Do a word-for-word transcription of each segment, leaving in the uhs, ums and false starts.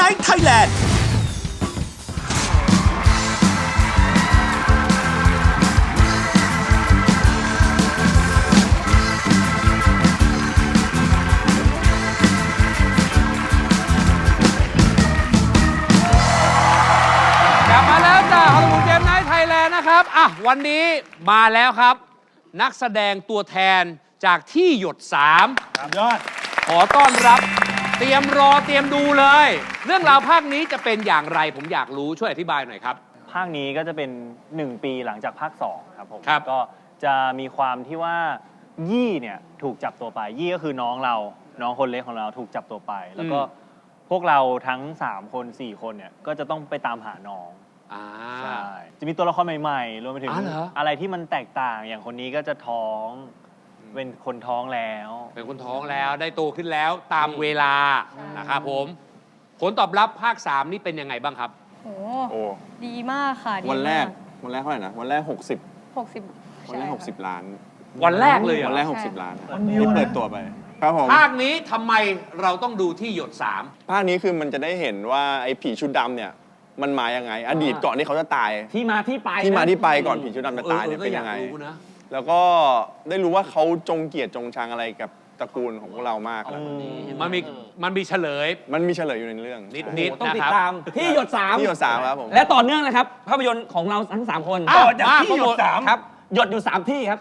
Night Thailand กลับมาแล้วจ้าฮอลลีวูดเกมไนท์ไทยแลนด์นะครับอ่ะวันนี้มาแล้วครับ นักแสดงตัวแทนจากที่หยดสามยอดขอต้อนรับเตรียมรอเตรียมดูเลย เรื่องราวภาคนี้จะเป็นอย่างไรผมอยากรู้ช่วยอธิบายหน่อยครับภาคนี้ก็จะเป็นหนึ่งปีหลังจากภาคสองครับผมครับก็จะมีความที่ว่ายี่เนี่ยถูกจับตัวไปยี่ก็คือน้องเราน้องคนเล็กของเราถูกจับตัวไป แล้วก็พวกเราทั้งสามคนสี่คนเนี่ยก็จะต้องไปตามหาน้องใช่จะมีตัวละครใหม่ๆรวมไปถึงอ๋อเหรออะไรที่มันแตกต่างอย่างคนนี้ก็จะท้องเป็นคนท้องแล้วเป็นคนท้องแล้วได้โตขึ้นแล้วตามเวลานะครับผมผลตอบรับภาคสามนี่เป็นยังไงบ้างครับโอ้โอ้ดีมากค่ะดีวันแรกมาวันแรกเท่าไหร่นะ วันแรก 60 หกสิบวันแรก 60 ล้านวันแรกเลยเหรอวันแรก 60 ล้านที่เปิดตัวไป ครับผมภาคนี้ทำไมเราต้องดูที่หยดสามภาคนี้คือมันจะได้เห็นว่าไอ้ผีชุดดำเนี่ย มันมายังไง อดีตก่อนที่เขาจะตายที่มาที่ไปที่มาที่ไปก่อนผีชุดดำจะตายเนี่ยออเป็นยังไงก็อากรู้นะแล้วก็ได้รู้ว่าเขาจงเกลียดจงชังอะไรกับตระกูลของพวกเรามากแล้วมันมีมันมีเฉลยมันมีเฉลยอยู่ในเรื่องนิดนิดต้องนะติคดรับตามที่หยดสามที่หยดสามครับผมและต่อเนื่องนะครับ ภาพยนตร์ของเราทั้งสามคนอ้าวต่อจากมาที่หยโปรโมดทสามครับ หยดอยู่สามที่ครับ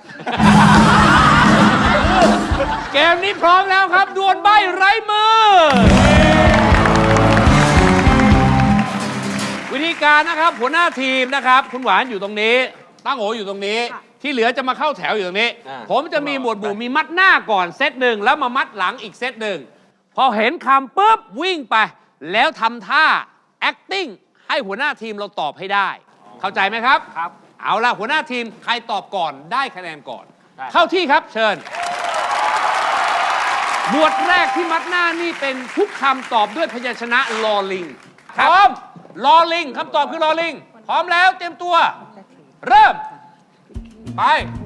เกมนี้พร้อมแล้วครับ ดวลใบไร้มือ วิธีการนะครับหัวหน้าทีมนะครับ คุณหวานอยู่ตรงนี้ ตั้งโออยู่ตรงนี้ ที่เหลือจะมาเข้าแถวอยู่ตรงนี้อ่าผมจะมีหมวดหมู่มีมัดหน้าก่อนเซตหนึ่งแล้วมามัดหลังอีกเซตหนึ่งพอเห็นคำปุ๊บวิ่งไป แล้วทำท่า acting ให้หัวหน้าทีมเราตอบให้ได้ เข้าใจไหมครับครับเอาล่ะหัวหน้าทีมใครตอบก่อนได้คะแนนก่อน เข้าที่ครับเชิญ หมวดแรกที่มัดหน้านี่เป็นทุกคำตอบด้วยพยัญชนะลอลิงพร้อมลอลิงคำตอบคือลอลิง พร้อมแล้วเตรียมตัว เริ่ม ไป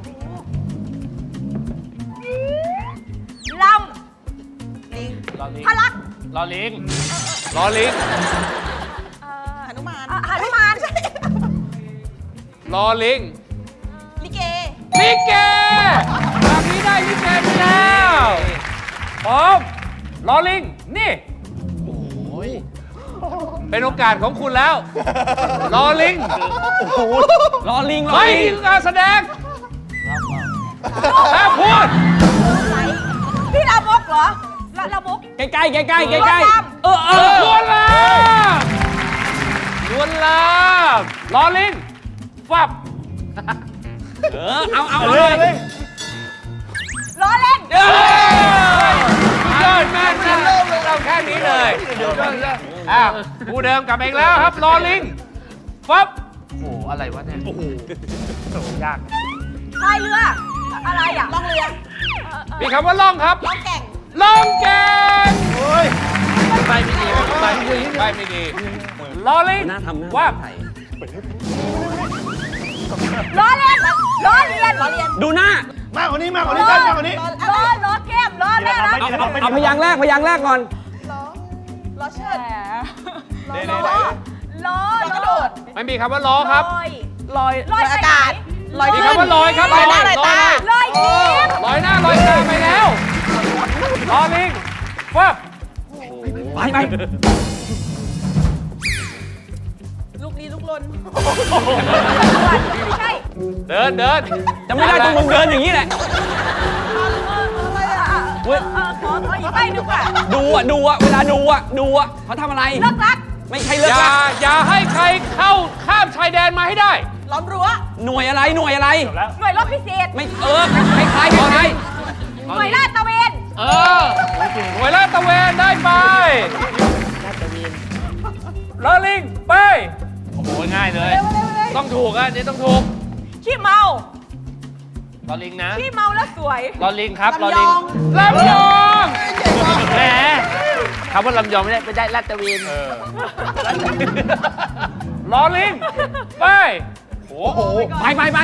ลำพลักลอลิงลอลิงหนุมานหนุมานลอลิงลิเกลิเกแบบนี้ได้ลิเกไปแล้วพร้อมลอลิง นี่เป็นโอกาสของคุณแล้วลอลิงรอลิงรอไม่ลิมีงการแสดงถ้าพูดพี่ลามกเหรอลาลามกใกล้ใกล้ใกล้ใกล้ใกล้ใกล้ลวนลามเออเอเอออลวนลามลวนลามลอลิง ฟับเออเอาเอาเอาเลยล้อเล่นเอ้ยยอดแม่นนะเราแค่นี้เลยอ้าวผู้เดิมกลับมาอีกแล้วครับลอลิง ฟับพายเรือ อะไรอ่ะล่องเรือมีคำว่าล่องครับล่องแก่งล่องแกงไปไม่ดีไปไม่ดีไปไม่ดีลอลิงน่าทำหน้าว่าไทยล้อเล่นล้อเลียนล้อเลียนดูหน้ามากกว่านี้มากกว่านี้มากกว่านี้ล้อล้อแก้มล้อเล่นนะเอาเอาเอาพยางค์แรกพยางค์แรกก่อนล้อเชิดล้อล้อล้อกระโดดไม่มีคำว่าล้อครับลอยลอยอากาศลอยมีคำว่าลอยครับลอยหน้าลอยตาลอยยิ้มลอยหน้าลอยตาไปแล้วลอลิงฟับไปไปลูกนี้ลูกลนใช่เดินเดินจะไม่ได้ต้องมึงเดินอย่างนี้แหละอะไรอ่ะเออขอขออีกใบหนึ่งค่ะดูอ่ะดูอ่ะเวลาดูอ่ะดูอ่ะเขาทำอะไรเลิกรักไม่ใช่เลิกอย่าละอย่าให้ใครเข้าข้ามชายแดนมาให้ได้ล้อมรั้วหน่วยอะไรหน่วยอะไรหน่วยรบพิเศษไม่เออคล้ายคล้ายคล้ายหน่วยลาดตระเวนเออหน่วยลาดตระเวนได้ไปลอลิงไปโอ้โหง่ายเลย ต้องถูกอ่ะนี่ต้องถูกขี้เมาลอลิงนะขี้เมาแล้วสวยลอลิงครับลอลิงลำยองแหมคำว่าลำยองไม่ได้ไม่ได้ลาดตระเวนลอลิงไปโอ้โหไปไปไป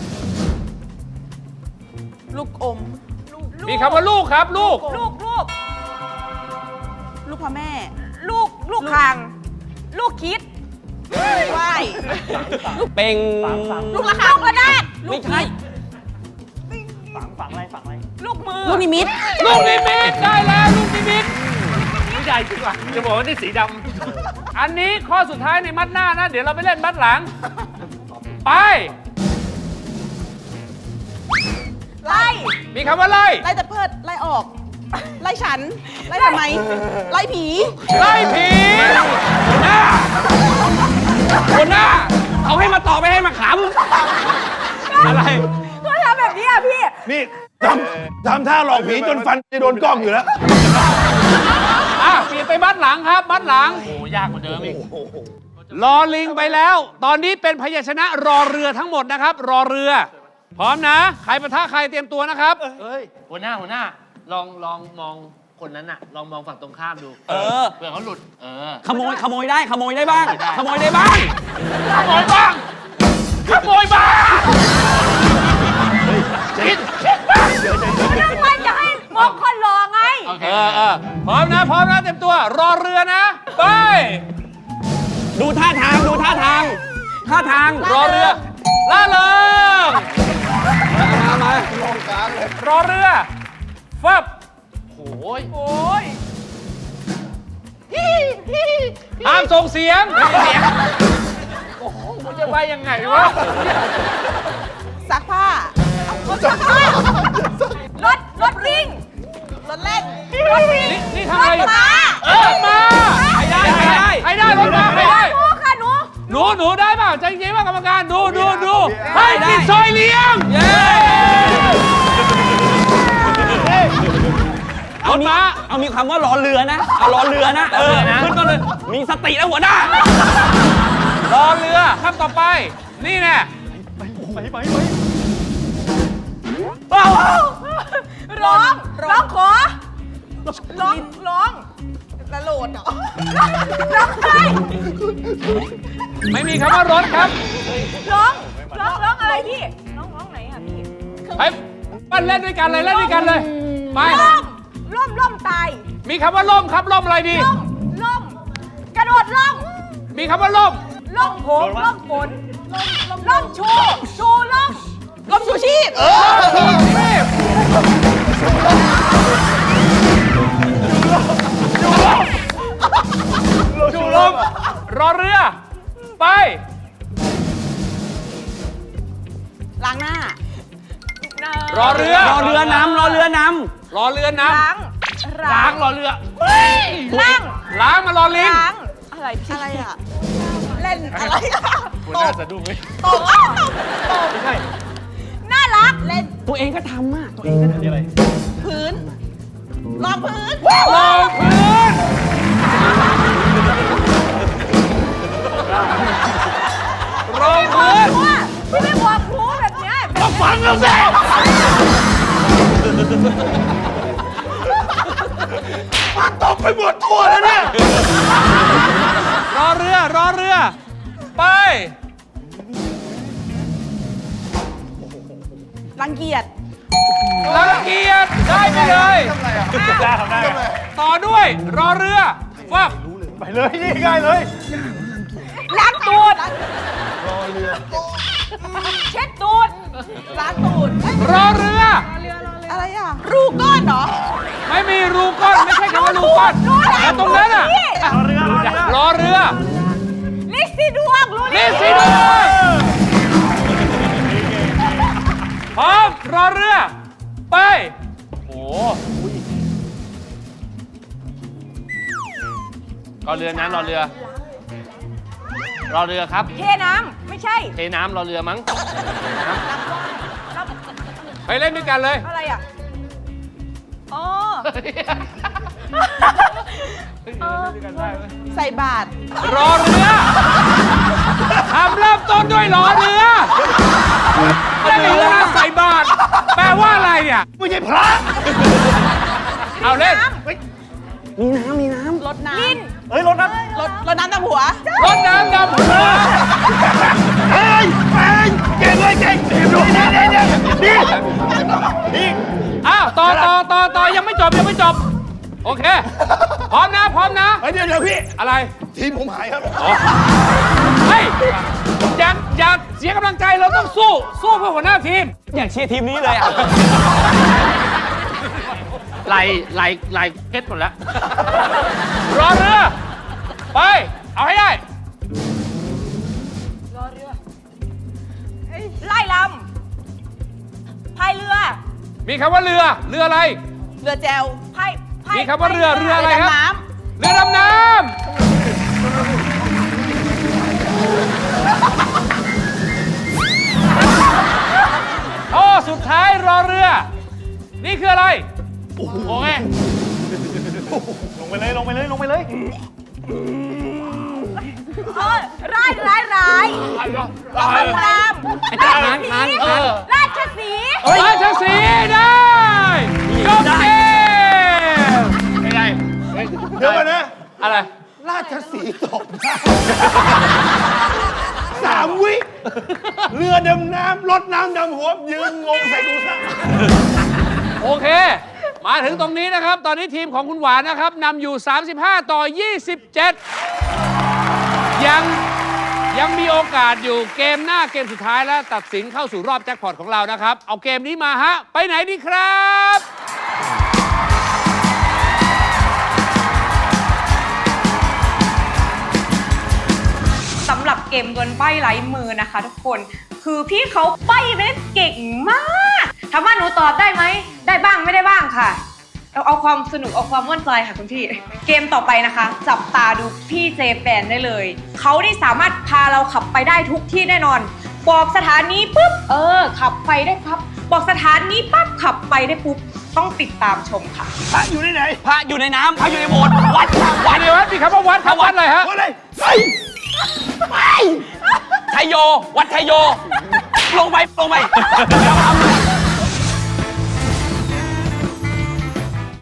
ลูกอมมีคำว่าลูกครับลูกลูกลูกลูกพ่อแม่ลูกลูกคาง ลูกคิดว่ายเป็งลูกระฆังลูกระนาดไม่ใช่ฝังฝังอะไรฝังอะไรลูกมือลูกนิมิตลูกนิมิตได้แล้วลูกนิมิตนี่ใหญ่จริงว่ะจะบอกว่านี่สีดอันนี้ข้อสุดท้ายในมัดหน้านะ เดี๋ยวเราไปเล่นมัดหลัง ไปไล่มีคำว่าไล่ไล่แต่เพิดไล่ออก ไล่ฉัน ไล่ทำไม ไล่ผีไล่ผีหัวหน้าหัวหน้า เอาให้มาตอบไปให้มาขำอะไรก็ทำแบบนี้อ่ะพี่ำนี่ทำทำท่าหลอกผีจนฟันจะโดนกล้องอยู่แล้วอ่ะเปลี่ยนไปมัดหลังครับ มัดหลังำโอ้ยากกว่าเดิมอีกรอลิงไปแล้ว ตอนนี้เป็นพยัญชนะรอเรือทั้งหมดนะครับ รอเรือ พร้อมนะ ใครปะทะใครเตรียมตัวนะครับเฮ้ย หัวหน้าหัวหน้า ลองลองมองคนนั้นน่ะ ลองมองฝั่งตรงข้ามดูเออเผื่อเขาหลุด เออขโมยขโมยได้ขโมยได้บ้าง ขโมยได้บ้างขโมยบ้าง ขโมยบ้างคิดเรื่องมันจะให้มองคนรอไงโอเคเออเออพร้อมนะ พร้อมนะ เตรียมตัว รอเรือนะ ไปดูท่าทางดูท่าทาง ท่าทางรอเรือ ล่าเริงมามารอเรือฟับโอ้ยโอ้ยห้ามส่งเสียงเสียง โอ้โหมันจะไปยังไงวะซักผ้าเอารถซักผ้ารถ รถวิ่ง รถเล่น รถวิ่งนี่นี่ทำอะไรอยู่รถม้าเออมาใครได้ใครได้ใครได้รถมาใครได้หนูค่ะหนูหนูหนูได้เปล่าใจเย็นว่ากรรมการดูดูดูให้กินซอยเลี้ยงเย้เอามาเอามีคำว่ารอเรือนะ เอารอเรือนะ เออขึ้นต้นเลย มีสติแล้วหัวหน้ารอเรือคำต่อไป นี่แน่ร้อง ร้องขอ ร้อง ร้องตะโหลดเหรอร้องไห้ไม่มีคำว่ารถครับร้อง ร้อง ร้องอะไรพี่ ร้อง ร้องไหนอ่ะพี่ไปปั้นเล่นด้วยกันเลยเล่นด้วยกันเลย ไปล่ม ล่ม ล่มตายมีคำว่าล่มครับล่มอะไรดีล่ม ล่ม กระโดดล่มมีคำว่าล่มล่มผมล่มฝนล่มล่มชู ชูล่มล่มชูชีพถูกรีบจูลมรอเรือ ไปล้างหน้ารอเรือรอเรือนำรอเรือนรอเรือน้ล้างำล้างรอเรือล้างล้างมารอลิงล้าง อะไรพี่อะไรอ่ะ เล่นอะไรอ่ะหัวหน้าสะดุ้งไหมตบตบไม่ใช่ น่ารัก เล่นำตัวเองก็ทำอ่ะ ตัวเองก็ทำพื้นรองพื้นรอพื้นรอพื้นว่าพี่ไม่บอกครูแบบเนี้ยแบบฟังแล้วสิตกไปหมดทั่วแล้วเนี่ยรอเรือ รอเรือ ไปรังเกียจรังเกียจได้ไปเลยได้ทำได้ต่อด้วย รอเรือฟับไปเลยนี่ง่ายเลยล้างตูดรอเรือ เช็ดตูดล้างตูดรอเรืออะไรอ่ะ รูก้อนเหรอไม่มีรูก้อน ไม่ใช่คำว่ารูก้อนรู้แล้วแต่ตรงนั้นอ่ะพี่รอเรือรอเรือรอเรือลิซซี่ดวงรู้นี่แล้วสิดวงพร้อม รอเรือ ไปโอ้รอเรือนะรอเรือ รอเรือครับเทน้ำไม่ใช่เทน้ำรอเรือมั้งไปเล่นด้วยกันเลยอะไรอ่ะ อ๋อใส่บาตรรอเรือทำเริ่มต้นด้วยรอเรือไม่มีเรือใส่บาตรแปลว่าอะไรเนี่ยไม่ใช่พระเอาเล่นมีน้ำมีน้ำรดน้ำลิ้นเฮ้ยรถนั้นรดรดน้ำดำหัวรถน้ำดำหัวเฮ้ยเฮ้ยเก่งเลยเก่งดูนี่นี่นี่นี่นี่อ้าวต่อต่อต่อต่อยังไม่จบยังไม่จบโอเค พร้อมนะ พร้อมนะเฮ้ยเดี๋ยวเดี๋ยวพี่อะไรทีมผมหายครับเฮ้ย อย่า อย่าเสียกำลังใจ เราต้องสู้ สู้เพื่อหัวหน้าทีมอยากเชียร์ทีมนี้เลยอ่ะไหลไหลไหลเพชรหมดแล้วรอเรือ ไป เอาให้ได้ไล่ลำพายเรือมีคำว่าเรือ เรืออะไรเรือแจวพายพายมีคำว่าเรือเรืออะไรครับดำน้เรือดำน้ำ โอ้สุดท้ายรอเรือ นี่คืออะไร โอเคลงไปเลยลงไปเลยลงไปเลยำเออร้ายร้ายร้ายลำลำราชสีห์เออราชสีห์ราชสีห์ได้จบเกมไม่ได้เดี๋ยวก่อนนะอะไรราชสีห์ตกน้ำสามวิ เรือดำน้ำรถน้ำดำหัว ยืนงงใส่กูซะโอเค มาถึงตรงนี้นะครับ ตอนนี้ทีมของคุณหวานนะครับนำอยู่ สามสิบห้า ต่อ ยี่สิบเจ็ด ยังยังมีโอกาสอยู่เกมหน้าเกมสุดท้ายแล้วตัดสินเข้าสู่รอบแจ็คพอตของเรานะครับ เอาเกมนี้มาฮะ ไปไหนดีครับสำหรับเกมดวลใบ้ไร้มือนะคะทุกคน คือพี่เขาใบ้ได้เก่งมากถามว่าหนูตอบได้ไหม ได้บ้างไม่ได้บ้างค่ะ เราเอาความสนุกเอาความม่วนใจค่ะคุณพี่ เกมต่อไปนะคะ จับตาดูพี่เจแปนได้เลย เขาได้สามารถพาเราขับไปได้ทุกที่แน่นอน บอกสถานีปุ๊บ เออ ขับไปได้ครับ บอกสถานีปั๊บขับไปได้ปุ๊บ ต้องติดตามชมค่ะพระอยู่ที่ไหนพระอยู่ในน้ำพระอยู่ในโบสถ์วัดวัดเดียววัดมีคำว่าวัดครับวัดอะไรฮะวัดอะไรไปไทยโย วัดไทยโย ลงไปลงไป